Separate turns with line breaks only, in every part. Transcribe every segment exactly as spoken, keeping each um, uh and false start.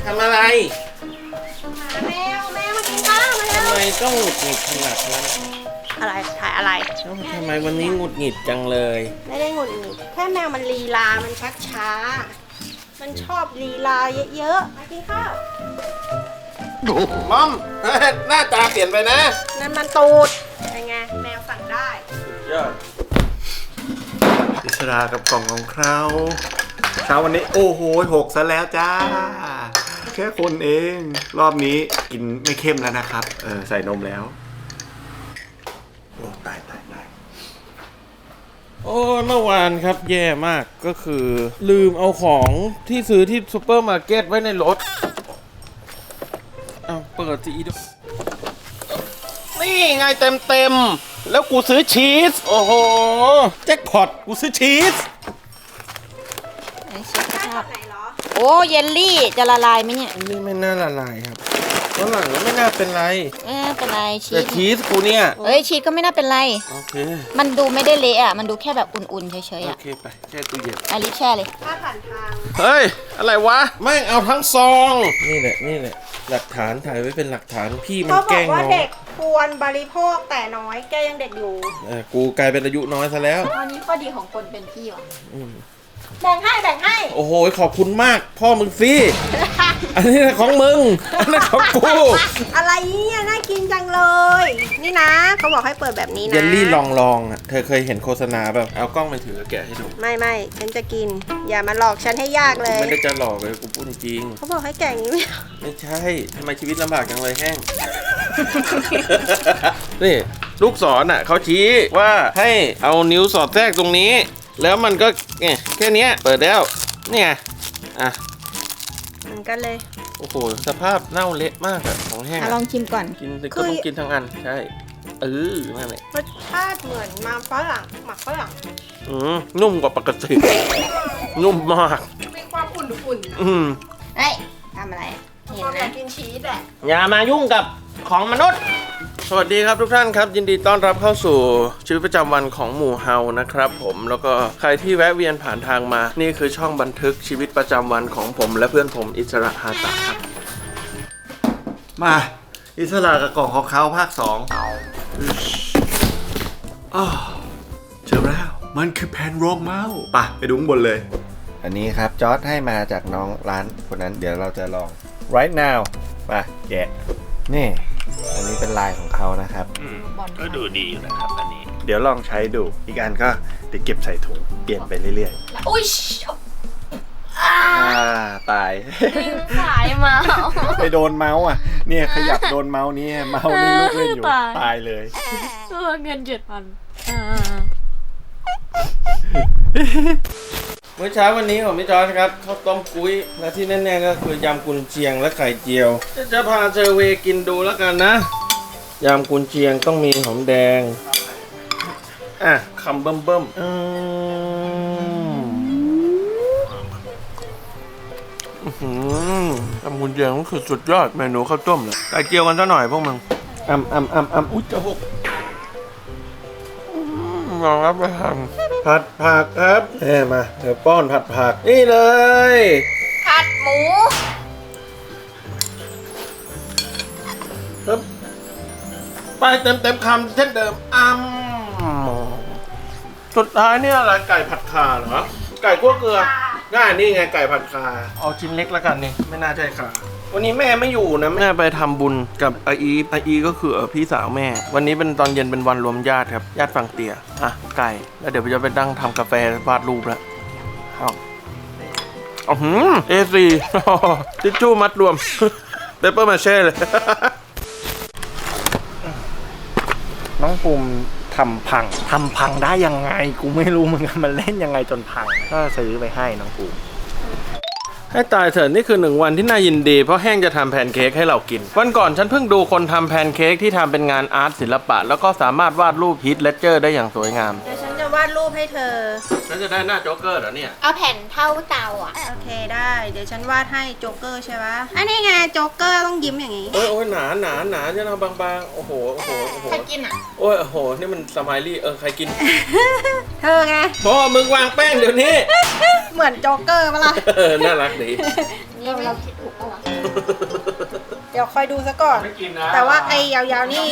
ทำอะไร
แมวแมวมากินข้าวมาแล้ว
ทำไมต้องหงุดหงิดขนาดนั้น
อะไรถ่ายอะไร
ทำไมวันนี้หงุดหงิดจังเลย
ไม่ได้หงุดหงิดแค่แมวมันลีลา มันชักช้า มันชอบลีลาเยอะๆมากินข้าว
มอมหน้าตาเปลี่ยนไปนะ
นั่นมันตูดเป็นไงแมวสั่งได้
ยอดอิสรากับกล่องของเขาเช้าวันนี้โอ้โหหกซะแล้วจ้าแค่คนเองรอบนี้กินไม่เข้มแล้วนะครับเออใส่นมแล้วโอ้ตายตายตายโอ้เมื่อวานครับแย่มากก็คือลืมเอาของที่ซื้อที่ซูเปอร์มาร์เก็ตไว้ในรถเอาเปิดสิอีดนี่ไงเต็มเต็มแล้วกูซื้อชีสโอ้โหแจ็คพอตกูซื้อชีส
ไหนชีสภาพไหนเหรอโอ้เยลลี่จะละลายไหมเนี่ย
อันนี้ไม่น่าละลายครับตอนหลังก็ไม่น่าเป็นไร
ไม่น่าเป็นไรชีส
แต่ชีสกูเนี่ย
เอ้ยชีสก็ไม่น่าเป็นไร
โอเค
มันดูไม่ได้เละอ่ะมันดูแค่แบบอุ่นๆเฉยๆอ่ะ
โอเคไปแช่ตู้เย็น
อาลิแช่เลยถ้าผ่านทาง
เฮ้ยอะไรวะแม่งเอาทั้งซองนี่แหละนี่แหละหลักฐานถ่ายไว้เป็นหลักฐานพี่มันแกล้งน้องเขาบอกว่า
เด็กควรบริโภคแต่น้อยแกยังเด็กอยู่
เออกูกลายเป็นอายุน้อยซะแล้ว
ตอนนี้ข้อดีของคนเป็นพี่ว่ะแบ่งให้แบ่งให้
โอ้โหขอบคุณมากพ่อมึงสิอันนี้ของมึงอันนี้ของกู
อะไรเนี่ยน่ากินจังเลย นี่นะเขาบอกให้เปิดแบบนี้นะ
เยลลี่ลองลองอ่ะเธอเคยเห็นโฆษณาแบบเอากล้องไปถือแกะให้ดู
ไม่ไม่ฉันจะกินอย่ามาหลอกฉันให้ยากเลย
ไม่ได้จะหลอกเลยกูพูดจริง
เขาบอกให้แกะอย่างนี้
ไม่ใช่ทำไมชีวิตลำบากจังเลยแห้งนี่ลูกศรอ่ะเขาชี้ว่าให้เอานิ้วสอดแทรกตรงนี้แล้วมันก็เนี่ยแค่นี้เปิดแล้วเนี่ยอ่ะ
มันก็เลย
โอ้โหสภาพเน่าเละมากอะของแห้ง
ลองชิมก่อน
กินก็ต้องกินทั้งอันใช่เออนั่นแหละ
รสชาติเหมือนมาฝรั่งหมักฝรั่ง
อืมนุ่มกว่าปกตินุ่มมาก
มีความอุ่นๆ
อืม
เฮ้ยทำอะไรเห็นไหมกินชีสแหละ
อย่ามายุ่งกับของมนุษย์สวัสดีครับทุกท่านครับยินดีต้อนรับเข้าสู่ชีวิตประจำวันของหมู่เฮานะครับผมแล้วก็ใครที่แวะเวียนผ่านทางมานี่คือช่องบันทึกชีวิตประจำวันของผมและเพื่อนผมอิสระฮาตะครับมาอิสระกับกล่องของเขาภาคสองเจอแล้วมันคือแผ่นรองเมาส์ป่ะไปดูข้างบนเลยอันนี้ครับจอร์จให้มาจากน้องร้านคนนั้นเดี๋ยวเราจะลอง right now มาแกะนี่อันนี้เป็นลายของเขานะครับก็ดูดีอยู่นะครับอันนี้เดี๋ยวลองใช้ดูอีกอันก็เดี๋ยวเก็บใส่ถุงเปลี่ยนไปเรื่อย
ๆอุ้ย
อ่าตาย
สายเมา
ไปโดนเมาส์อ่ะเนี่ยขยับโดนเมาส์นี้เมาส์นี่ลูกเล่นอยู่ตายเลย
เงินเจ็ดพัน
เมื่อเช้าวันนี้ของพี่จอร์จครับข้าวต้มกุ้ยและที่แน่ๆก็คือยำกุนเชียงและไข่เจียวจะพาเซอร์เวย์กินดูแล้วกันนะยำกุนเชียงต้องมีหอมแดงอ่ะคำเบิ่มเบิ่มอืมยำกุนเชียงก็คือสุดยอดเมนูข้าวต้มเลยไข่เจียวกันซะหน่อยพวกมึงอ่ำอ่ำอ่ำอ่ำอุ๊ยจะหกลองรับไปทำผัดผักครับแม่มาเดี๋ยวป้อนผัดผักนี่เลย
ผัดหมู
ครับไปเต็มเต็มคำเช่นเดิมอ้ำสุดท้ายเนี่ยอะไรไก่ผัดข่าเหรอไก่คั่วเกลือง่ายนี่ไงไก่ผัดข่าเอาชิ้นเล็กแล้วกันนี่ไม่น่าใช่ข่าวันนี้แม่ไม่อยู่นะแม่ไปทำบุญกับอาอีอาอีก็คือพี่สาวแม่วันนี้เป็นตอนเย็นเป็นวันรวมญาติครับญาติฝั่งเตี่ยอ่ะไก่แล้วเดี๋ยวจะไปนั่งทำกาแฟวาดรูปแล้วเอาอ๋อหืมเอซีทิชชู่มัดรวมเปเปอร์มาเช่เลยน้องภูมิทำพังทำพังได้ยังไงกูไม่รู้เหมือนกันมันเล่นยังไงจนพังก็ซื้อไปให้น้องภูมิให้ตายเถอะนี่คือหนึ่งวันที่น่ายินดีเพราะแห้งจะทำแพนเค้กให้เรากินวันก่อนฉันเพิ่งดูคนทำแพนเค้กที่ทำเป็นงานอาร์ตศิลปะแล้วก็สามารถวาดรูปฮีทเลดเจอร์ได้อย่างสวยงาม
เดี๋ยวฉันจะวาดรูปให้เธอ
ฉันจะได้หน้าโจ๊กเกอร์เหรอเนี่ย
เอาแผ่นเท่าเตาอ่ะโอเคได้เดี๋ยวฉันวาดให้โจ๊กเกอร์ใช่ปะอันนี้ไงโจ๊กเกอร์ต้องยิ้มอย่างนี้
โอ้ยโอ้ยหนาหนาหนาจะเอาบางๆโอ้โหโอ้โหโอ้โห
ใครกินอ่ะ
โอ้ยโอ้โหนี่มันสไมลี่เออใครกิน
เธอไง
พ่อมึงวางแป้งเดี๋ยวนี้
เหมือนโจ๊กเกอร์ปะล่ะ
น่ารักดี
นนี้ไหม
เราคิดถูกปะวะ
เดี๋ยวคอยดูซะก่อน
ไม่กินนะ
แต่ว่าไอ้ยาวๆนี่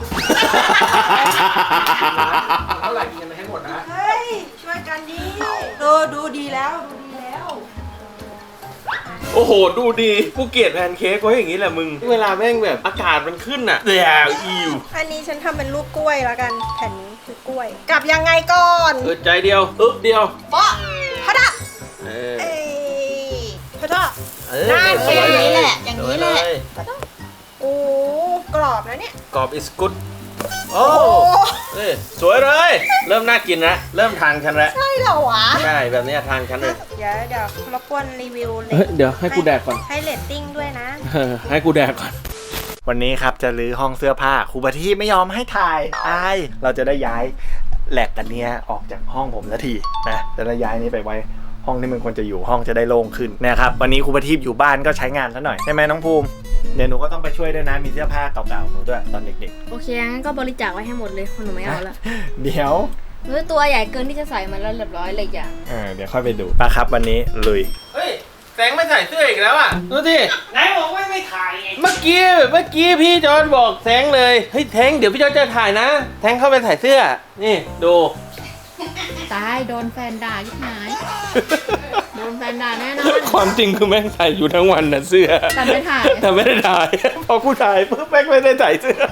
เท่าไหร่กินให้หมดนะ
เฮ้ย ช่วยกันดิเออดูดีแล้วดูดีแล้ว
โอ้โห ดูดีกูเกลียดแพนเค้กไว้อย่างนี้แหละมึง เวลาแม่งแบบอากาศมันขึ้นอ่ะเดี๋ยวอิว
อันนี้ฉันทำเป็นรูปกล้วยแล้วกันแผ่นนี้คือกล้วย กลับยังไงก่อน
เออใจเดียวอึ๊บเดียว
โป๊ะพะดะ
เออ
เอ้ยพะดะ
เออ
ได้
สวย
อย่างนี้
เล
แห
ย
ละอย่างนี้แหละ
สวยเย
โอ้กรอบนะเนี่ย
กรอบ is good โอ้
โอ้
เอ้ยสวยเลย เริ่มน่ากินแล้วเริ่มทานกันแล้ว
ใช่เหรอวะ
ใช่แบบนี้ทานกันเลย
เดี๋ยวเดี๋ยวรบกวนรีวิวเล
เฮ้ยเดี๋ยวให้กูแดกก่อน
ให้เรตติ้งด้วยนะ
ให้กูแดกก่อน
วันนี้ครับจะรื้อห้องเสื้อผ้าครูปาที่ไม่ยอมให้ถ่ายอายเราจะได้ย้ายแหลกกันเนี้ยออกจากห้องผมสักทีนะจะได้ย้ายนี้ไปไว้ห้องที่มันควรจะอยู่ห้องจะได้โล่งขึ้นนะครับวันนี้ครูปาที่อยู่บ้านก็ใช้งานซะหน่อยใช่ไหมน้องภูมิเดี๋ยวหนูก็ต้องไปช่วยด้วยนะมีเสื้อผ้าเก่าๆหนูด้วยตอนเด็ก
โอเคงั้นก็บริจาคไว้ให้หมดเลยเพราะหนูไม่เอาละ
ๆ เดี๋ยว
หนูตัวใหญ่เกินที่จะใส่มันแล้วเรียบร้อยเลยอย่าง
เออเดี๋ยวค่อยไปดูปะครับวันนี้ลุย
เฮ้ยแสงไม่ใส่เสื้ออีกแล้วอ่ะดูสิ
ไหนบอกว่าไม่ถ่ายไง
เมื่อกี้เมื่อกี้พี่จอนบอกแสงเลยเฮ้ยแทงเดี๋ยวพี่จอนจะถ่ายนะ แทงเข้าไปถ่ายเสื้อนี่ดู
ตายโดนแฟนด่ายิ่งหายโดนแฟนด่าแน่นอน
ความจริงคือแม่งใส่อยู่ทั้งวันนะเสื้อ
แต่ไม่ถ่าย
แต่ไม่ได้ถ่าย พอกูถ่ายปุ๊บแม่งไม่ได้ใส่เสื้อ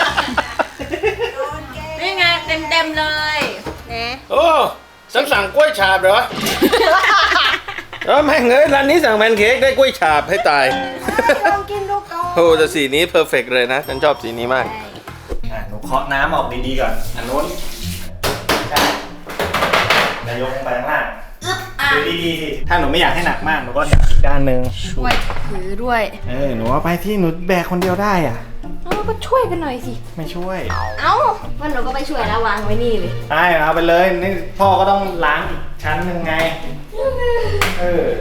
นี่ไงเต็มเต็มๆเลย
นะ
โอ้ฉันสั่งกล้วยฉาบเหรอแล้วแม่งเอ้ยร้านนี้สั่งแพนเค้กได้กล้วยฉาบให้ตาย
ลองกินดูก่อน
โอ้แต่สีนี้เพอร์เฟกเลยนะ ฉันชอบสีนี้มาก
อ่ะหนูเคาะน้ำออกดีๆก่อนอันนู้นใช่นายกลงไปข้างล่างดูดีๆสิถ้าหนูไม่อยากให้หนักมากหนูก็จับอีกด้านหนึ่ง
ช่วยถือด้วย
เออหนูเอาไปที่หนูแบกคนเดียวได้อ่ะ
เออก็ช่วยกันหน่อยสิ
ไม่ช่วย
เอ้าวันหนูก็ไปช่วยแล้ววางไว้นี่เลย
ได้เอาไปเลยนี่พ่อก็ต้องล้างอีกชั้นหนึ่งไงเออ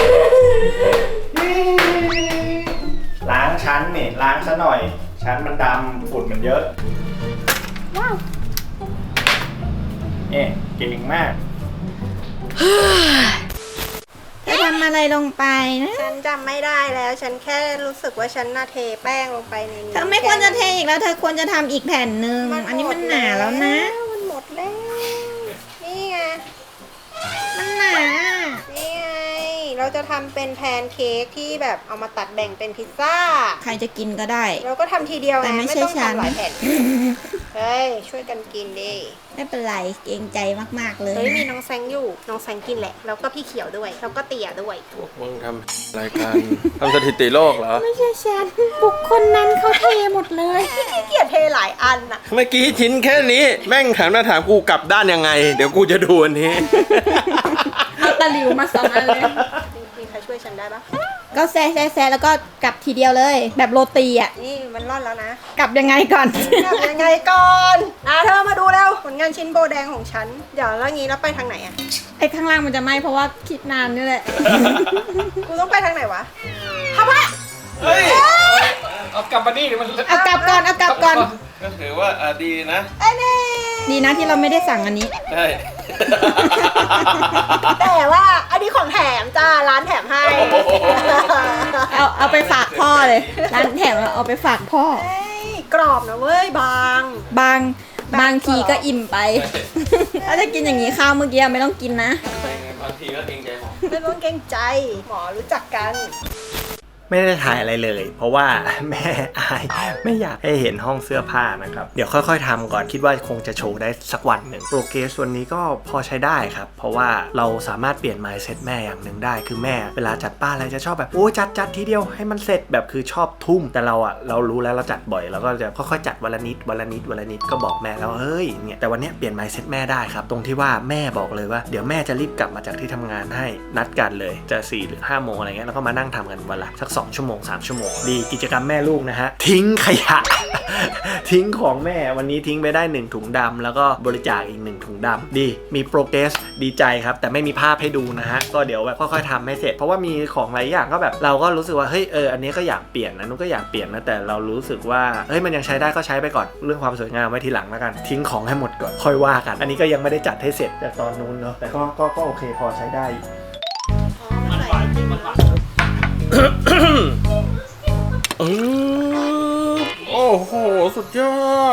ล้างชั้นนี่ล้างซะหน่อย ชั้นมันดำฝุ่นมันเยอะ
ว้าว
เอ๊ะเก่งมาก
จะทำอะไรลงไปนะ
ฉันจำไม่ได้แล้ว ฉันแค่รู้สึกว่าฉันน่าเทแป้งลงไปในนี้
เธอไม่ควรจะเทอีกแล้วเธอควรจะทำอีกแผ่นหนึ่งอันนี้มันหนาแล้วนะ
มันหมดแล้ว นี่ไง
มันหนา
นี่ไง เราจะทำเป็นแพนเค้กที่แบบเอามาตัดแบ่งเป็นพิซซ่า
ใครจะกินก็ได้
เราก็ทำทีเดียว
แต่
ไง
ไม่
ไม่
ใช่
ต้อง
ฉัน
ทำหลายแผ่น เฮ้ย ช่วยกันกินดิ
ไม่เป็นไรเกรงใจมากๆเลย
เฮ้ย มีน้องแซงอยู่ น้องแซงกินแหละ แล้วก็พี่เขียวด้วย แล้วก็เตี่ยด้วย
พวกมึงทำรายการ ทำสถิติโลกเหรอ
ไม่ใช่ฉันบุคคลนั้นเขาเทหมดเลย
พี่เกียรเทหลายอันน่ะ
เมื่อกี้ชิ้นแค่นี้แม่งถามมาถามกูกลับด้านยังไง เดี๋ยวกูจะดูอันนี้
เอาตะหลิวมาสองอันเลย
มีใครช่วยฉันได้ปะ
ก็แซ่แซ่แซ่แล้วก็กลับทีเดียวเลย แบบโรตีอ่ะ
นี่มันร่อนแล้วนะ
กลับยังไงก่อน
ทำยังไงก่อนอ่ะเธอมาดูแล้วผลงานชิ้นโบแดงของฉัน เดี๋ยวแล้วงี้แล้วไปทางไหนอ่ะ
ไอ้ข้างล่างมันจะไหมเพราะว่าคิดนานนี่แหละ
กูต้องไปทางไหนวะทำไม
เฮ้ย
เอากลับมานี่มัน
เอากลับก่อนเอากลับก่อน
ก็ถือว่าอ่ะดีนะ
ไอ้นี่
ดีนะที่เราไม่ได้สั่งอันนี้
ใช่
แต่ว่าอันนี้ของแถมจ้า ร้านแถมให้
เอาเอาไปฝากพ่อเลย ร้านแถมเราเอาไปฝากพ่อ
เฮ้ยกรอบนะเว้ยบาง
บางบางทีก็อิ่มไป ถ้าจะกินอย่างนี้ข้าวเมื่อกี้ไม่ต้องกินนะ
บางทีก็เกรงใจหมอ
ไม่ต้องเกรงใจ หมอรู้จักกัน
ไม่ได้ถ่ายอะไรเลย เพราะว่าแม่อายไม่อยากให้เห็นห้องเสื้อผ้านะครับเดี๋ยวค่อยๆทำก่อนคิดว่าคงจะโชว์ได้สักวันหนึ่งโปรเกรสวันนี้ก็พอใช้ได้ครับเพราะว่าเราสามารถเปลี่ยน mindset แม่อย่างหนึ่งได้คือแม่เวลาจัดบ้านอะไรจะชอบแบบโอ้จัดจัดทีเดียวให้มันเสร็จแบบคือชอบทุ่มแต่เราอะเรารู้แล้วเราจัดบ่อยเราก็จะค่อยๆจัดวันละนิดวันละนิดวันละนิดก็บอกแม่แล้วเฮ้ยเนี่ยแต่วันนี้เปลี่ยน mindset แม่ได้ครับตรงที่ว่าแม่บอกเลยว่าเดี๋ยวแม่จะรีบกลับมาจากที่ทำงานให้นัดกันเลยจะสี่หรือห้าโมงอะไรเงี้ยแล้วก็มานั่งทำกันวันละสักสองชั่วโมงสามชั่วโมงดีกิจกรรมแม่ลูกนะฮะทิ้งขยะ ทิ้งของแม่วันนี้ทิ้งไปได้หนึ่งถุงดำแล้วก็บริจาคอีกหนึ่งถุงดำดีมีโปรเกรสดีใจครับแต่ไม่มีภาพให้ดูนะฮะก็เดี๋ยวแบบค่อยๆทำให้เสร็จเพราะว่ามีของหลายอย่างก็แบบเราก็รู้สึกว่าเฮ้ยเอออันนี้ก็อยากเปลี่ยนนะนุ้นก็อยากเปลี่ยนนะแต่เรารู้สึกว่าเฮ้ยมันยังใช้ได้ก็ใช้ไปก่อนเรื่องความสวยงามไว้ทีหลังแล้วกันทิ้งของให้หมดก่อนค่อยว่ากันอันนี้ก็ยังไม่ได้จัดให้เสร็จแต่ตอนนู้นเนาะแต่ก็ก็ก็โอเคพอใช้ได้
อ๋อมันใส่จริงเหรอ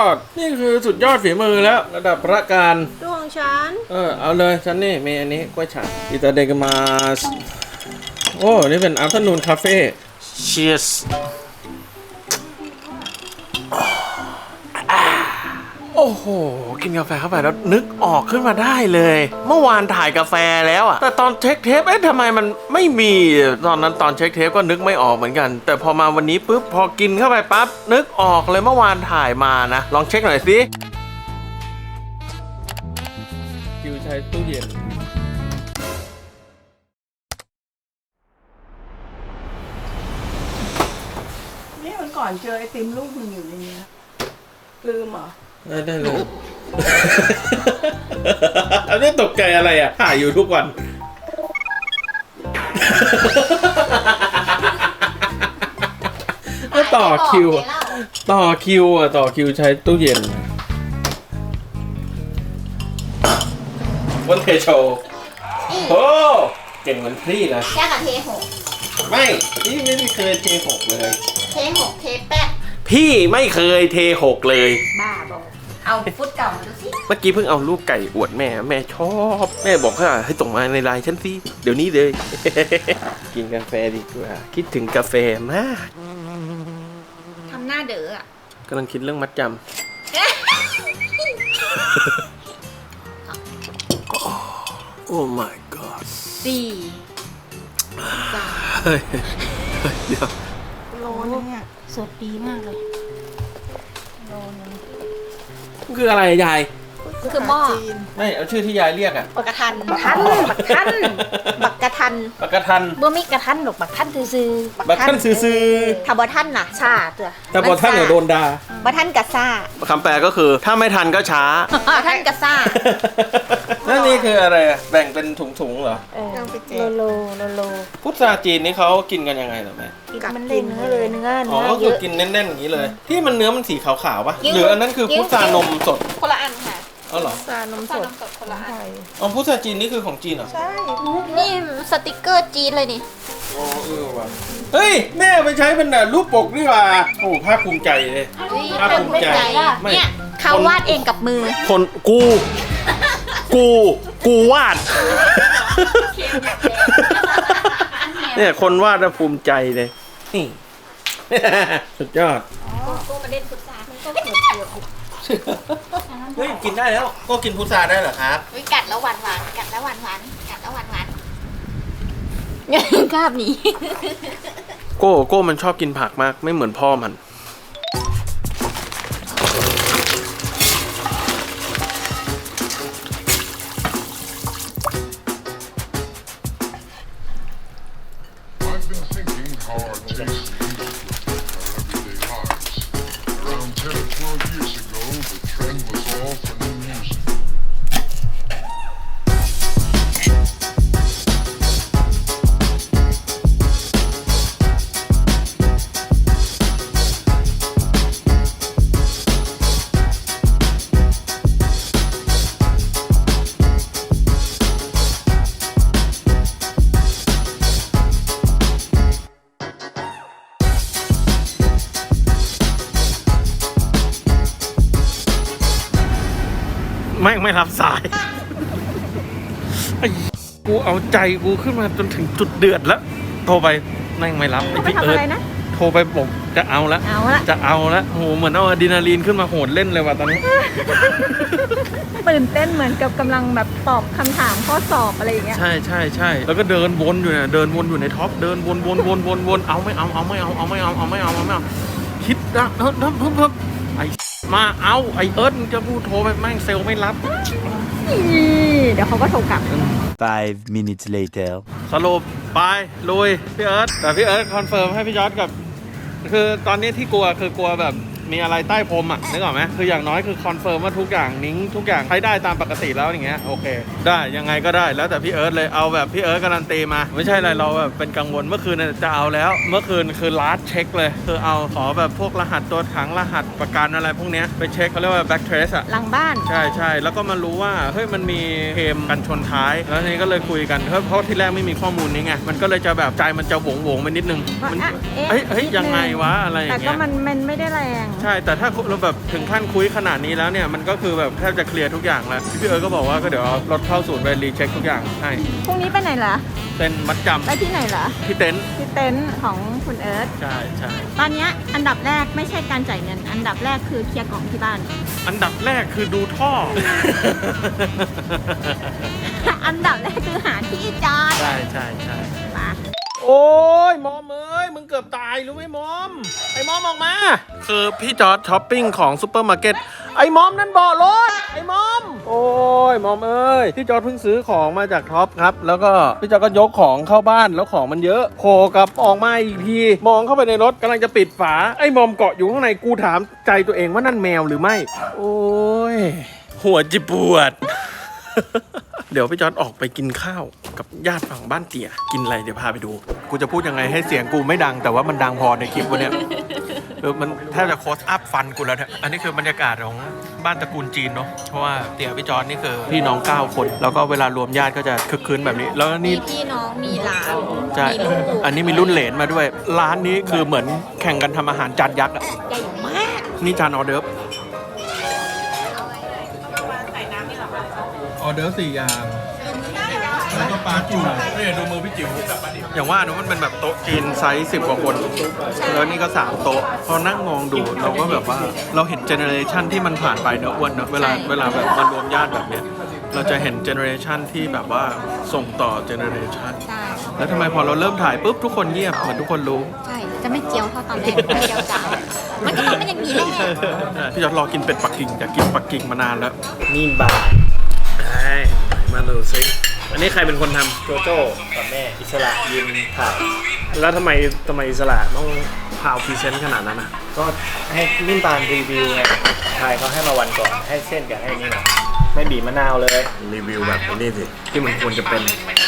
ดนี่คือสุดยอดฝีมือแล้วระดับพระการ
ดวงฉัน
เออเอาเลยฉันนี่มีอันนี้กล้วยฉาบอิตาเดกมาสโอ้นี่เป็น afternoon cafe cheers โอ้โหกินกาแฟเข้าไปแล้วนึกออกขึ้นมาได้เลยเมื่อวานถ่ายกาแฟแล้วอะแต่ตอนเช็คเทปเอ๊ะทำไมมันไม่มีตอนนั้นตอนเช็คเทปก็นึกไม่ออกเหมือนกันแต่พอมาวันนี้ปุ๊บพอกินเข้าไปปั๊บนึกออกเลยเมื่อวานถ่ายมานะลองเช็คหน่อยสิคิวใช้ตู้เย็น
นี่มันก่อนเจอไอติมลูกมึงอยู่ในนี้ลืมเหรอ
ได้ได้เลยอันนี้ตกใจอะไรอ่ะถ่ายอยู่ทุกวันก็ต่อคิวต่อคิวอ่ะต่อคิวใช้ตู้เย็นวันเทโชว์โอ้เก่งเหมือนพี่นะ
แค่กับเทหก
ไม่พี่ไม่ได้เคยเทหกเลย
เทหกเทแป๊ะ
พี่ไม่เคยเทหกเลย
บ้าบอกเอาฟุตเก่ามาดูสิ
เมื่อกี้เพิ่งเอารูปไก่อวดแม่แม่ชอบแม่บอกว่าให้ส่งมาในไลน์ฉันสิเดี๋ยวนี้เลย กินกาแฟดีกว่าคิดถึงกาแฟมาก
ทำหน้าเด๋ออ่ะ
กำลังคิดเรื่องมัดจำ โอ้ my god
สี่สาม
เฮ้ยเฮ้ยเดี๋ยว
โลนึงอ่ะ
สดดีมากเลยโลนึง
คืออะไรยาย
คือหม้อ
จีน
ไม่เอาชื่อที่ยายเรียกอะ
บักกะทันบักทันบักทันบักกะทัน
ปากกาทัน
เมื่อมีกระทันหรอกบักทันซื้อๆ
บักทันซื้อ
ถ้าบ่ทันน่ะชาตัว
ๆแต่พอท่านเนี่ยโดนด่า
บ่ทันกะซ่า
คำแปลก็คือถ้าไม่ทันก็ช้า
ท่านกะซ่า
นั่นนี่คืออะไรอะแบ่งเป็นถุงๆเหรอ
เออ
เอาไปแจ
โล
ก
โลโลโล
พุทราจีนนี่เขากินกันยังไงเหรอแม่
มันเล่นเนื้อเลยเนื้อ
อ๋อ
เนื้อ
ก็
เย
คือ
อะ
กินแน่นๆอย่างนี้เลย ที่มันเนื้อมันสีขาวๆปะ
กิ้ว
หรืออันนั้นคือ
กิ้ว
พุทรานมสด
คนละอันค่ะ
อ๋อเหรอ
ซานมสด
สดคนละอัน
ไทย
อ๋อพุทราจีนนี่คือของจีนเหรอ
ใช่
นี่สติกเกอร์จีนเลยนี่
อ๋อเออว่ะเฮ้ยแม่ไปใช้เป็นแบบรูปปกนี่หว่าโอ้ภาคภูมิใจเลย ภาคภูมิใจไม่
เนี่ยเขาวาดเองกับมือ
คนกู กูกูวาด เนี่ยคนวาดน่ะภูมิใจเลยนี่ สุดยอด
กูมาเล่นฟุตซาลมันก็เกิดเกิด
เฮ้ยกินได้แล้วก็กินพุทราได้เหรอครับ
วิกัดแล้วหวานหวานกัดแล้วหวานหวานกัดแล้วหวานหวานกล้าบหนี
โก้โก้มันชอบกินผักมากไม่เหมือนพ่อมัน
I've been thinking how our tastes used to affect our everyday lives. Around ten or twelve years ago, the trend was all for new music.
ไม่ไม่รับสายไอ้กูเอาใจกูขึ้นมาจนถึงจุดเดือดแล้วโทรไปแม่งไม่รับไอ้พี่เอิร์ธโทรไปบอกจะเอาละ
เอาละ
จะเอาละโหเหมือนเอาอะดรีนาลีนขึ้นมาโหดเล่นเลยว่ะตอนนี้
ตื่นเต้นเหมือนกับกำลังแบบตอบคำถามข้อสอบอะไรอย่างเงี้ย
ใช่ใช่ใช่แล้วก็เดินวนอยู่เนี่ยเดินวนอยู่ในท็อปเดินวนวนวนวนวนเอาไม่เอาเอาไม่เอาเอาไม่เอาเอาไม่เอาเอาไม่เอาคิดนะเพิ่มเพิ่มเพิ่มเพิ่มไอ้มาเอาไอ้เอิร์ธมึงจะพูดโทรไปแม่งเซลล์ไม่รับ
เดี๋ยวเขาก็โทรกลับ
Five minutes later.
สรุปไปลุยพี่เอิร์ธแต่พี่เอิร์ธคอนเฟิร์มให้พี่ยอดกับ คือตอนนี้ที่กลัวคือกลัวแบบมีอะไรใต้พรมอ่ะนึกออกไหมคืออย่างน้อยคือคอนเฟิร์มว่าทุกอย่างนิ้งทุกอย่างใช้ได้ตามปกติแล้วอย่างเงี้ยโอเค ได้ยังไงก็ได้แล้วแต่พี่เอิร์ธเลยเอาแบบพี่เอิร์ธการันตีมาไม่ใช่อะไรเราแบบเป็นกังวลเมื่อคืนน่ะจะเอาแล้ว เมื่อคืนคือลาสเช็คเลยคือเอาขอแบบพวกรหัสตัวถังรหัสประกันอะไรพวกเนี้ยไปเช็คเขาเรียกว่า back trace อ่ะ
หลังบ้าน
ใช่ใช่แล้วก็มารู้ว่าเฮ้ยมันมีเคลมกันชนท้ายแล้วทีนี้ก็เลยคุยกันเพราะเพราะที่แรกไม่มีข้อมูลนี้ไงมันก็เลยจะแบบใจมันจะหวงหวงๆไปนิดนึงมัน
ว่าอ่ะเอ๊ะ
เฮ้ยเฮ้ย
นิดนึง
ยังไงวะอะไรอ
แต่
ย่าง
ก็
เงี้ย
มันมันไม่ได้แรง
ใช่แต่ถ้าเราแบบถึงขั้นคุยขนาดนี้แล้วเนี่ยมันก็คือแบบแทบจะเคลียร์ทุกอย่างแล้วพี่เอิร์ธก็บอกว่าก็เดี๋ยวเอารถเข้าศูนย์ไปรีเช็คทุกอย่างให้
พรุ่งนี้ไปไหนเหรอ
เป็นมัดจำ
ไปที่ไหนเหรอ
ที่เต็นท์
ที่เต็นท์ของคุณเอิร์ธ
ใช่ใช่
ตอนเนี้ยอันดับแรกไม่ใช่การจ่ายเงิน อันดับแรกคือเคลียร์กล่องที่บ้าน
อันดับแรกคือดูท่อ
อันดับแรกคือหาที่จอด
ใช่ใช่ใช่
มา
โอ้ยมอมเอ้ยมึงเกือบตายรู้ไหมมอมไอ้มอมออกมาคือพี่จอร์จช้อปปิ้งของซูเปอร์มาร์เก็ตไอ้มอมนั่นเบาะรถไอ้มอมโอ้ยมอมเอ้ยพี่จอร์จเพิ่งซื้อของมาจากท็อปครับแล้วก็พี่จอร์จก็ยกของเข้าบ้านแล้วของมันเยอะโผล่กลับออกมาอีกทีมองเข้าไปในรถกำลังจะปิดฝาไอ้มอมเกาะอยู่ข้างในกูถามใจตัวเองว่านั่นแมวหรือไม่โอ้ยหัวจิปวด เดี๋ยวพี่จอร์จออกไปกินข้าวกับญาติฝั่งบ้านเตี่ยกินอะไรเดี๋ยวพาไปดูกูจะพูดยังไงให้เสียงกูไม่ดังแต่ว่ามันดังพอในคลิปวันเนี้ยเออมันแทบจะโคสอัพฟันกูแล้วเนี่ยอันนี้คือบรรยากาศของบ้านตระกูลจีนเนาะเพราะว่าเตี่ยพี่จอร์จนี่คือพี่น้องเก้าคนแล้วก็เวลารวมญาติก็จะคึกคืนแบบนี้แล้ว
มี
นี่
พี่น้องมีหลาน
ใช่
มีลูก
อันนี้มีรุ่นเหลนมาด้วยร้านนี้คือเหมือนแข่งกันทำอาหารจานยักษ์อะ
ใหญ่มาก
นี่จานออเดิร์ฟออเดิร์ฟสี่อย่างแล้วก็ปลาจุ่มนี่ดูมือพี่จิ๋วอย่างว่านะมันเป็นแบบโต๊ะจีนไซส์สิบกว่าคนแล้วนี่ก็สามโต๊ะพอนั่งมองดูเราก็แบบว่าเราเห็นเจเนอเรชันที่มันผ่านไปเนอะอ้วนเนอะเวลาเวลาแบบมารวมญาติแบบเนี้ยเราจะเห็นเจเนอเรชันที่แบบว่าส่งต่อเจเนอเรชัน
ใช่
แล้วทำไมพอเราเริ่มถ่ายปุ๊บทุกคนเงียบเหมือนทุกคนรู้
ใช่ จะไม่เจียวเท่าตอนแรกไม่เจียวจ๋ามันก็ต้องเป็นอย่างนี้แหละ
พี่จอดรอกินเป็ดปักกิ่งอยากกินปักกิ่งมานานแล้ว
นี่บาร์
ใช่มาดูซิอันนี้ใครเป็นคนทำ
โจโจ้กับแม่อิสระยืนถ่ายแล้วทำไมทำไมอิสระต้องพาวพรีเซนต์ขนาดนั้นอ่ะก็ให้นิ่มบานรีวิวไงถ่ายเขาให้มาวันก่อนให้เส้นกับให้นี่นะไม่บีบมะนาวเลยรีวิวแบบนี้สิที่มันควรจะเป็น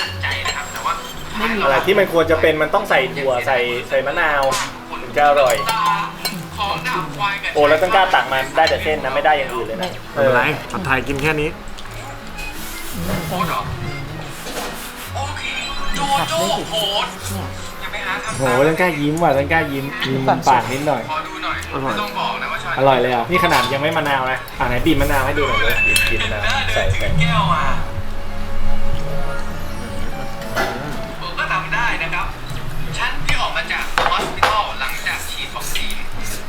อะไรที่มันควรจะเป็นมันต้องใส่ถั่วใส่ใส่มะนาวถึงจะอร่อยโอ้แล้วต้องกล้าตักมาได้แต่เส้นนะไม่ได้อย่างอื่นเลยนะไม่เป็นไรผัดไทยกินแค่นี้โหต้องกล้ายิ้มว่ะต้องกล้ายิ้มยิ้มปากนิดหน่อยอร่อยอร่อยเลยอ่ะนี่ขนาดยังไม่มะนาวนะอ่าไหนบีบมะนาวให้ดูหน่อยเลยบีบบีบมะนาวใส่ใส่แก้วมาผมก็ทำได้นะครับฉันที่ออกมาจากฮอสพิทอลหลังจากฉีดวัคซีน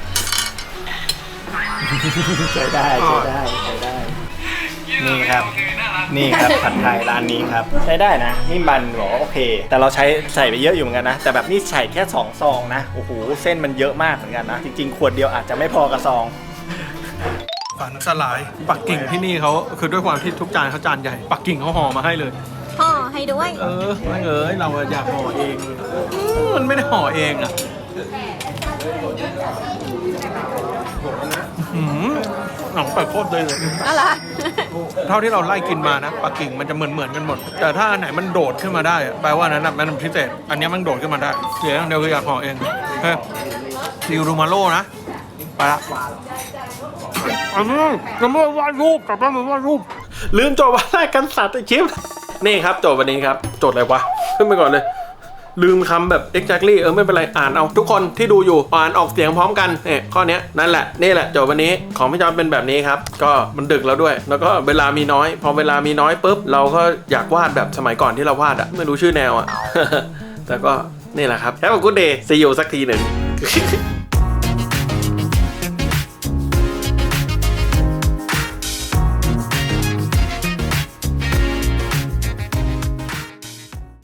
ใช้ได้ใช้ได้ใช้ได้นี่ครับนี่ครับผัดไทยร้านนี้ครับใช้ได้นะนิ่มบันบอกว่าโอเคแต่เราใช้ใส่ไปเยอะอยู่เหมือนกันนะแต่แบบนี่ใส่แค่สองซองนะโอ้โหเส้นมันเยอะมากเหมือนกันนะจริงๆขวดเดียวอาจจะไม่พอกระซอง
ฝันสลายปักกิ่งที่นี่เขาคือด้วยความที่ทุกจานเขาจานใหญ่ปักกิ่งเขาห่อมาให้เลย
ห่อให้ด้วย
เออไม่เอ้ยเราอยากห่อเองมันไม่ได้ห่อเองอ่ะหืมหนังเป็ดโคตรเลยเลย
อะไร
เท่าที่เราไล่กินมานะปักกิ่งมันจะเหมือนเหมือนกันหมดแต่ถ้าอันไหนมันโดดขึ้นมาได้แปลว่านั้นนะมันพิเศษอันนี้มันโดดขึ้นมาได้เสียอย่างเดียวคืออยากห่อเองเฮ้ยซิลรูมาโล่นะไปละอันนี้จะไม่วาดรูปแต่ไม่วาดรูปลืมโจทย์วันแรกกันสัตว์ไอชิปนี่ครับโจทย์วันนี้ครับโจทย์อะไรวะขึ้นไปก่อนเลยลืมคำแบบ exactly เออไม่เป็นไรอ่านเอาทุกคนที่ดูอยู่อ่านออกเสียงพร้อมกันเนี่ยข้อนี้นั่นแหละนี่แหละโจทย์วันนี้ของพี่จอมเป็นแบบนี้ครับก็มันดึกแล้วด้วยแล้วก็เวลามีน้อยพอเวลามีน้อยปุ๊บเราก็อยากวาดแบบสมัยก่อนที่เราวาดอะไม่รู้ชื่อแนวอะ แต่ก็นี่แหละครับแฮปปี้กู๊ดเดย์ซีอูสักทีหนึ่ง